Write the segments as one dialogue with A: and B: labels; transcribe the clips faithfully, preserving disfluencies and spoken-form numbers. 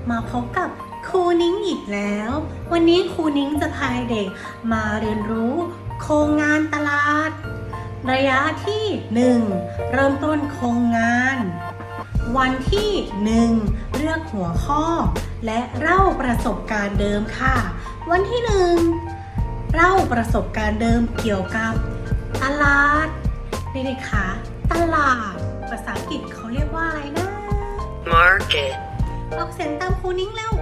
A: มาพบกับครูนิ้งอีกแล้ว วันนี้ครูนิ้งจะพาเด็กมาเรียนรู้โครงงานตลาดระยะที่หนึ่งเริ่มต้นโครงงาน วันที่หนึ่งเลือกหัวข้อและเล่าประสบการณ์เดิมค่ะวันที่หนึ่งเล่าประสบการณ์เดิมเกี่ยวกับตลาดเด็กๆคะตลาดภาษาอังกฤษเขาเรียกว่าอะไรนะ
B: Market
A: ออกเสียงตามครูนิ้งเร็ว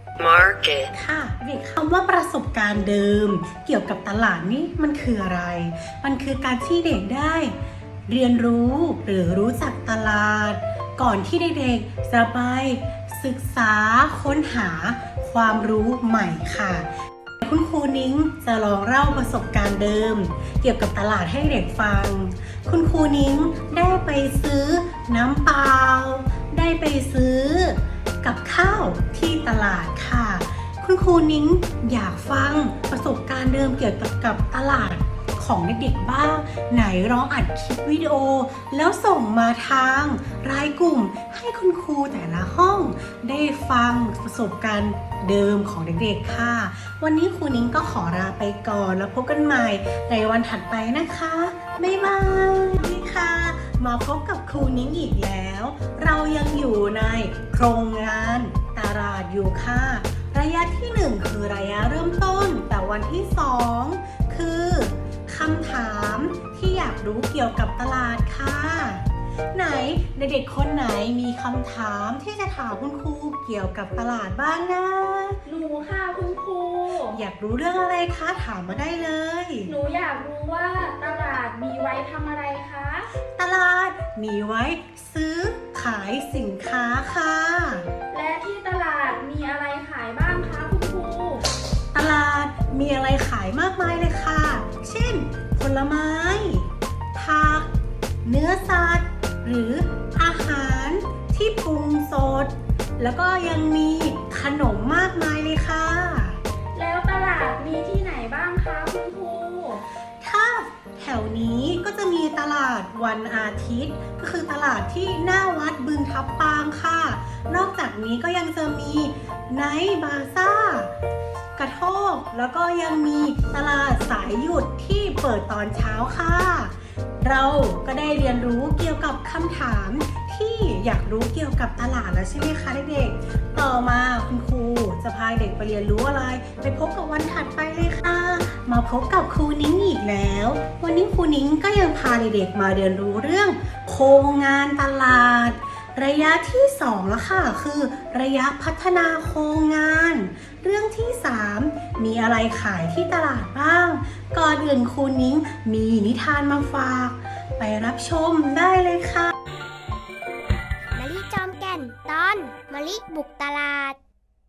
B: Market
A: ค่ะเด็กคำว่าประสบการณ์เดิมเกี่ยวกับตลาดนี่มันคืออะไรมันคือการที่เด็กได้เรียนรู้หรือรู้จักตลาดก่อนที่เด็กๆจะไปศึกษาค้นหาความรู้ใหม่ค่ะคุณครูนิ้งจะลองเล่าประสบการณ์เดิมเกี่ยวกับตลาดให้เด็กฟังคุณครูนิ้งได้ไปซื้อน้ำเปล่าได้ไปซื้อกับข้าวที่ตลาดค่ะคุณครูนิ้งอยากฟังประสบการณ์เดิมเกี่ยวกับกับตลาดของเด็กๆบ้างไหนร้องอัดคลิปวิดีโอแล้วส่งมาทางรายกลุ่มให้คุณครูแต่ละห้องได้ฟังประสบการณ์เดิมของเด็กๆค่ะวันนี้ครูนิ้งก็ขอลาไปก่อนแล้วพบกันใหม่ในวันถัดไปนะคะบ๊ายบายนี่ค่ะมาพบกับครูนิ้งอีกแล้วเรายังอยู่ในโครงงานตลาดอยู่ค่ะระยะที่หนึ่งคือระยะเริ่มต้นแต่วันที่สองคือคำถามที่อยากรู้เกี่ยวกับตลาดค่ะไหนเด็กๆคนไหนมีคำถามที่จะถามคุณครูเกี่ยวกับตลาดบ้างนะ
C: หนูค่ะคุณครู
A: อยากรู้เรื่องอะไรคะถามมาได้เลย
C: หนูอยากรู้ว่าตลาดมีไว้ทำอะไรคะ
A: ตลาดมีไว้ซื้อขายสินค้าค่ะ
C: และที่ตลาดมีอะไรขายบ้างคะคุณครู
A: ตลาดมีอะไรขายมากมายเลยค่ะเช่นผลไม้ผักเนื้อสัตว์หรืออาหารที่ปรุงสดแล้วก็ยังมีขนมมากมายเลยค่ะ
C: แล้วตลาดมีที่ไหนบ้างคะคุณครู
A: ถ้าแถวนี้ก็จะมีตลาดวันอาทิตย์ก็คือตลาดที่หน้าวัดบึงทับปางค่ะนอกจากนี้ก็ยังจะมีไนท์บาซ่ากระโทกแล้วก็ยังมีตลาดสายหยุดที่เปิดตอนเช้าค่ะเราก็ได้เรียนรู้เกี่ยวกับคำถามที่อยากรู้เกี่ยวกับตลาดแล้วใช่ไหมคะเด็กๆต่อมาคุณครูจะพาเด็กไปเรียนรู้อะไรไปพบกับวันถัดไปเลยค่ะมาพบกับครูนิ้งอีกแล้ววันนี้ครูนิ้งก็ยังพาเด็กๆมาเรียนรู้เรื่องโครงงานตลาดระยะที่สองแล้วค่ะคือระยะพัฒนาโครงงานเรื่องที่สามมีอะไรขายที่ตลาดบ้างก่อนอื่นครูนิ้งมีนิทานมาฝากไปรับชมได้เลยค่ะ
D: มะลิจอมแก่นตอนมะลิบุกตลาด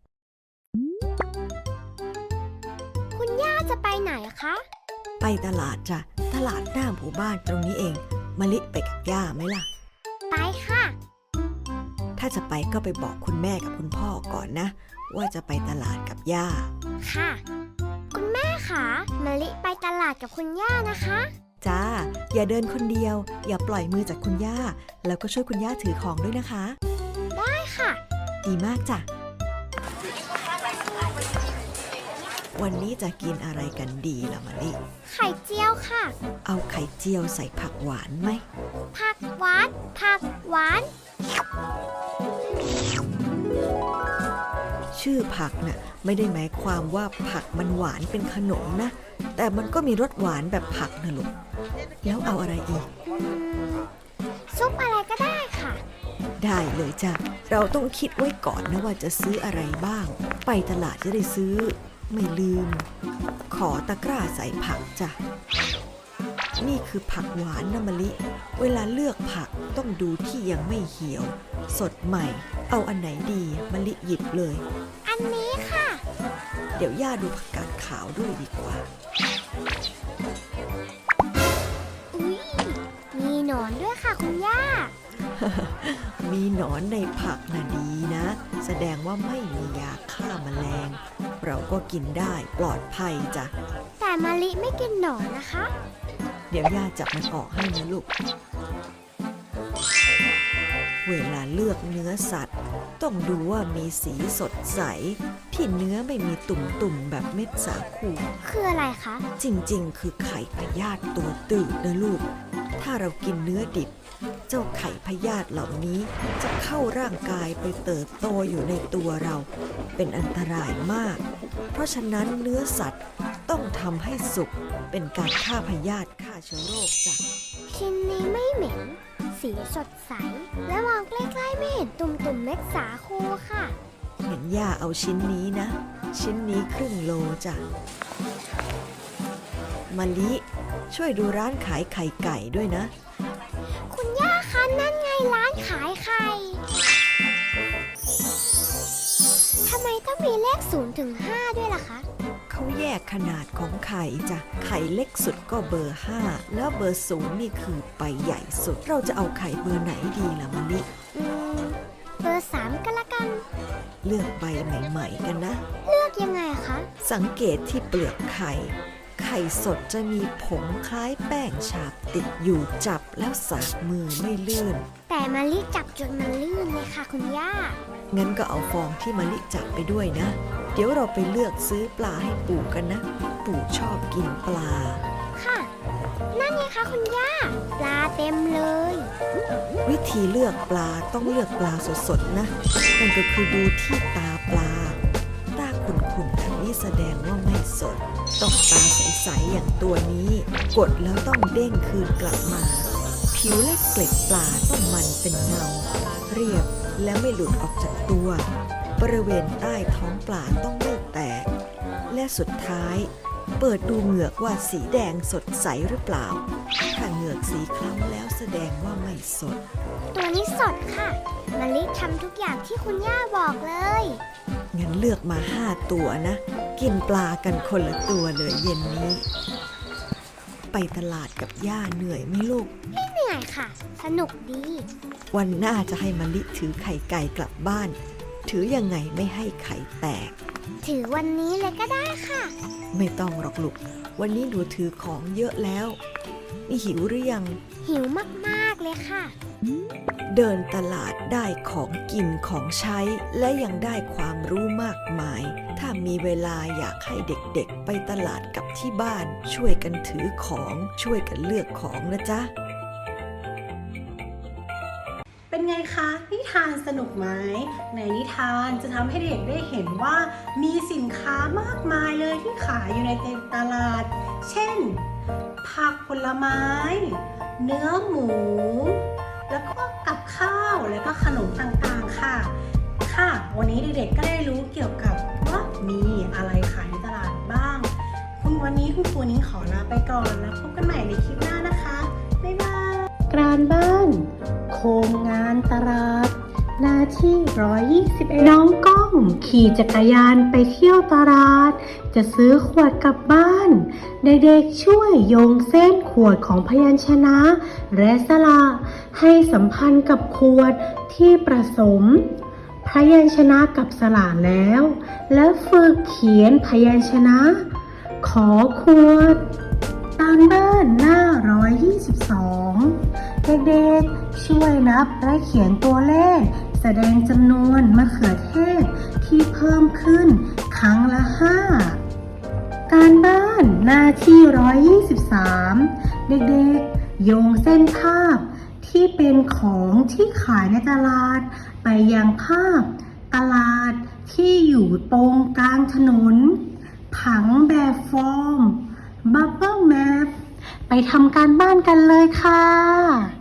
D: คุณย่าจะไปไหนคะ
E: ไปตลาดจ้ะตลาดหน้าหมู่บ้านตรงนี้เองมะลิไปกับย่าไหมล่ะ
D: ไปค่ะ
E: ถ้าจะไปก็ไปบอกคุณแม่กับคุณพ่อก่อนนะว่าจะไปตลาดกับย่า
D: ค่ะคุณแม่คะมะลิไปตลาดกับคุณย่านะคะ
E: จ้าอย่าเดินคนเดียวอย่าปล่อยมือจากคุณย่าแล้วก็ช่วยคุณย่าถือของด้วยนะคะ
D: ได้ค่ะ
E: ดีมากจ้ะวันนี้จะกินอะไรกันดีล่ะมะลิ
D: ไข่เจียวค่ะ
E: เอาไข่เจียวใส่ผักหวานไหม
D: ผักหวานผักหวาน
E: ชื่อผักน่ะไม่ได้หมายความว่าผักมันหวานเป็นขนมนะแต่มันก็มีรสหวานแบบผักนะลูกแล้วเอาอะไรอีก
D: ซุปอะไรก็ได้ค่ะ
E: ได้เลยจ้ะเราต้องคิดไว้ก่อนนะว่าจะซื้ออะไรบ้างไปตลาดจะได้ซื้อไม่ลืมขอตะกร้าใส่ผักจ้ะนี่คือผักหวานนะมะลิเวลาเลือกผักต้องดูที่ยังไม่เหี่ยวสดใหม่เอาอันไหนดีมะลิหยิบเลย
D: อันนี้ค่ะ
E: เดี๋ยวย่าดูผักกาดขาวด้วยดีกว่า
D: อุ๊ยมีหนอนด้วยค่ะคุณย่า
E: มีหนอนในผักน่ะดีนะแสดงว่าไม่มียาฆ่าแมลงเราก็กินได้ปลอดภัยจ้ะ
D: แต่มะลิไม่กินหนอนนะคะ
E: เดี๋ยวย่าจับมันออกให้นะลูกเวลาเลือกเนื้อสัตว์ ต้องดูว่ามีสีสดใส ที่เนื้อไม่มีตุ่มๆแบบเม็ดสาคู
D: คืออะไรคะ
E: จริงๆ คือไข่พยาธิตัวตืดนะลูก ถ้าเรากินเนื้อดิบ เจ้าไข่พยาธิเหล่านี้จะเข้าร่างกายไปเติบโตอยู่ในตัวเรา เป็นอันตรายมาก เพราะฉะนั้นเนื้อสัตว์ต้องทำให้สุก เป็นการฆ่าพยาธิฆ่าเชื้อโรคจ้ะ
D: ชิ้นนี้ไม่เหม็น สีสดใส และมองใกล้ๆไม่เห็นตุ่มๆเม็ดสาคูค่ะ
E: เห็นย่าเอาชิ้นนี้นะ ชิ้นนี้ครึ่งโลจ้ะมะลิช่วยดูร้านขายไข่ไก่ด้วยนะ
D: คุณย่าคะนั่นไงร้านขายไข่ ทำไมต้องมีเลขศูนย์ถึงห้าด้วยล่ะคะ
E: เขาแยกขนาดของไข่จ้ะ ไข่เล็กสุดก็เบอร์ห้าแล้วเบอร์ศูนย์นี่คือใบใหญ่สุด เราจะเอาไข่เบอร์ไหนดีล่ะมะลิ
D: อืม เบอร์สามก็แล้วกัน
E: เลือกใบใหม่ๆกันนะ
D: เลือกยังไงคะ
E: สังเกตที่เปลือกไข่ ไข่สดจะมีผงคล้ายแป้งฉาบติดอยู่จับแล้วสากมือไม่ลื่น
D: แต่มะลิจับจนมันลื่นเลยค่ะคุณย่า
E: งั้นก็เอาฟองที่มะลิจับไปด้วยนะ เดี๋ยวเราไปเลือกซื้อปลาให้ปู่กันนะ ปู่ชอบกินปลา
D: ค่ะ นั่นไงคะคุณย่า ปลาเต็มเลย
E: วิธีเลือกปลาต้องเลือกปลาสดๆนะ นั่นก็คือดูที่ตาปลา ตาขุ่นๆแบบนี้แสดงว่าไม่สด ต้องตาใสๆอย่างตัวนี้ กดแล้วต้องเด้งคืนกลับมา ผิวและเกล็ดปลาต้องมันเป็นเงา เรียบและไม่หลุดออกจากตัว บริเวณใต้ท้องปลาต้องไม่แตก และสุดท้าย เปิดดูเหงือกว่าสีแดงสดใสหรือเปล่า ถ้าเหงือกสีคล้ำแล้วแสดงว่าไม่สด
D: ตัวนี้สดค่ะมะลิทำทุกอย่างที่คุณย่าบอกเลย
E: งั้นเลือกมาห้าตัวนะ กินปลากันคนละตัวเลยเย็นนี้ ไปตลาดกับย่าเหนื่อยไหมลูก
D: ไม่เหนื่อยค่ะ สนุกดี
E: วันหน้าจะให้มะลิถือไข่ไก่กลับบ้าน ถือยังไงไม่ให้ไข่แตก
D: ถือวันนี้เลยก็ได้ค่ะ
E: ไม่ต้องหรอกลูก วันนี้หนูถือของเยอะแล้ว นี่หิวหรือยัง
D: หิวมากๆเลยค่ะ
E: เดินตลาดได้ของกินของใช้ และยังได้ความรู้มากมาย ถ้ามีเวลาอยากให้เด็กๆไปตลาดกับที่บ้าน ช่วยกันถือของช่วยกันเลือกของนะจ๊ะ
A: เป็นไงคะนิทานสนุกไหมในนิทานจะทำให้เด็กได้เห็นว่ามีสินค้ามากมายเลยที่ขายอยู่ในตลาด เช่น ผักผลไม้ เนื้อหมู แล้วก็กับข้าวแล้วก็ขนมต่างๆค่ะ ค่ะ วันนี้เด็กๆก็ได้รู้เกี่ยวกับว่ามีอะไรขายในตลาดบ้าง คุณวันนี้คุณครูนิ้งขอลาไปก่อนแล้วพบกันใหม่ในคลิปหน้านะคะบ๊ายบายการบ้านโครงงานตลาดหน้าที่หนึ่งร้อยยี่สิบเอ็ดน้องก้องขี่จักรยานไปเที่ยวตลาดจะซื้อขวดกลับบ้านเด็กๆช่วยโยงเส้นขวดของพยัญชนะและสระให้สัมพันธ์กับขวดที่ประสมพยัญชนะกับสระแล้ว แล้วฝึกเขียนพยัญชนะขอขวดตามบ้านหน้าหนึ่งร้อยยี่สิบสองเด็กๆช่วยนับและเขียนตัวเลขแสดงจำนวนมะเขือเทศที่เพิ่มขึ้นครั้งละห้าการบ้านหน้าที่หนึ่งร้อยยี่สิบสามเด็กๆโยงเส้นภาพที่เป็นของที่ขายในตลาดไปยังภาพตลาดที่อยู่ตรงกลางถนนผังแบบฟอร์ม Bubble Map ไปทำการบ้านกันเลยค่ะ